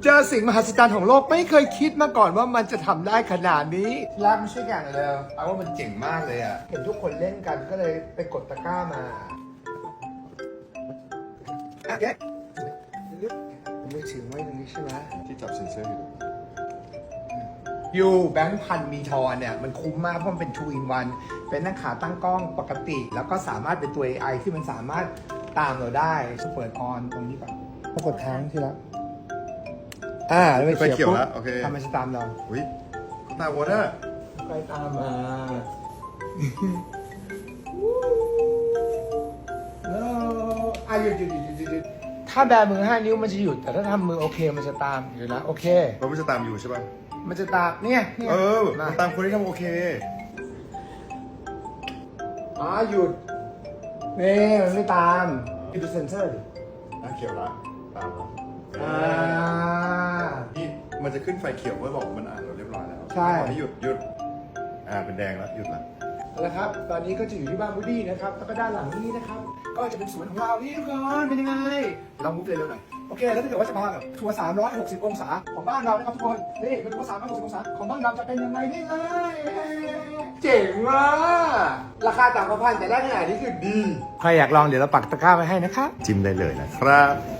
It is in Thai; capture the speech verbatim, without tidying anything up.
เจอสิ่งมหัศจรรย์ของโลกไม่เคยคิดมาก่อนว่ามันจะทำได้ขนาดนี้รักไม่ใช่อย่างเลยเอาว่ามันเจ๋งมากเลยอ่ะเห็นทุกคนเล่นกันก็เลยไปกดตะกร้ามาอ่ะเดี๋ยวมือถือไว้ตรงนี้ใช่ไหมที่จับเซ็นเซอร์อยู่ยูแบงค์พันมีทอนเนี่ยมันคุ้มมากเพราะมันเป็น two in one เป็นทั้งขาตั้งกล้องปกติ แล้วก็สามารถเป็นตัว เอ ไอ ที่มันสามารถตามเราได้เปิดออนตรงนี้ก่อนกดค้างที่ละอ่าแล้วไปเขียวปุ๊บทำมันจะตามเราอุ้ยตาวอเตอร์ไปตามมาอ่ะหยุดหยุดหยุดหยุดหยุดถ้าแบมือห้านิ้วมันจะหยุดแต่ถ้าทำมือโอเคมันจะตามอยู่นะโอเคเราไม่จะตามอยู่ใช่ป่ะมันจะตามเนี่ยเนี่ยเออมาตามคนที่ทำโอเคอ๋อหยุดนี่มันไม่ตามดูเซนเซอร์ดิอ่ะเขียวละตามละอ่านี่มันจะขึ้นไฟเขียวเพื่อบอกมันอ่านเราเรียบร้อยแล้วใช่ตอนนี้หยุดหยุดอ่าเป็นแดงแล้วหยุดละเอาละครับตอนนี้ก็จะอยู่ที่บ้านบูดี้นะครับแล้วก็ด้านหลังนี้นะครับก็จะเป็นสวนของเรานี่ทุกคนเป็นยังไงลองมุฟเลยเร็วหน่อยโอเคแล้วถ้าเกิดว่าจะพาแบบทัวร์สามร้อยหกสิบองศาของบ้านเรานะครับทุกคนนี่เป็นทัวร์สามร้อยหกสิบองศาของบ้านเราจะเป็นยังไงนี่เลยเจ๋งมากราคาต่างกันพันแต่ได้ขนาดนี้คือดีใครอยากลองเดี๋ยวเราปักตะกร้าไว้ให้นะครับจิ้มได้เลยนะครับ